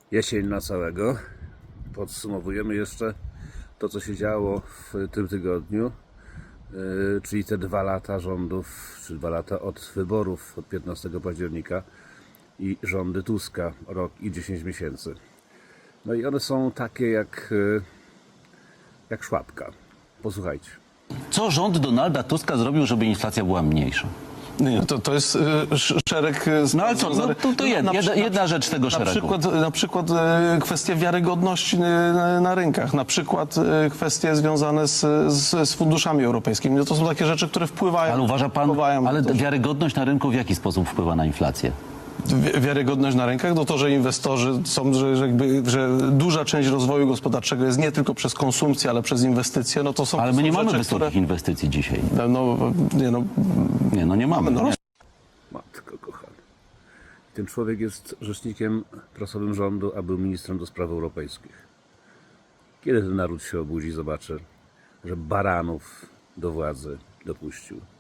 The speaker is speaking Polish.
Jesień na całego. Podsumowujemy jeszcze to, co się działo w tym tygodniu, czyli te 2 lata rządów, czy 2 lata od wyborów, od 15 października i rządy Tuska, rok i 10 miesięcy. No i one są takie jak szłapka. Posłuchajcie. Co rząd Donalda Tuska zrobił, żeby inflacja była mniejsza? Nie, to jest szereg... No ale co, to jedna rzecz tego szeregu. Na przykład kwestie wiarygodności na rynkach, na przykład kwestie związane z funduszami europejskimi. No to są takie rzeczy, które wpływają... Ale uważa pan, ale wiarygodność na rynku w jaki sposób wpływa na inflację? Wiarygodność na rynkach, no to, że inwestorzy są, że duża część rozwoju gospodarczego jest nie tylko przez konsumpcję, ale przez inwestycje, no to są... Ale my nie mamy rzeczy, wysokich inwestycji dzisiaj. Nie mamy. No, Matko kochana. Ten człowiek jest rzecznikiem prasowym rządu, a był ministrem do spraw europejskich. Kiedy ten naród się obudzi, zobaczy, że baranów do władzy dopuścił?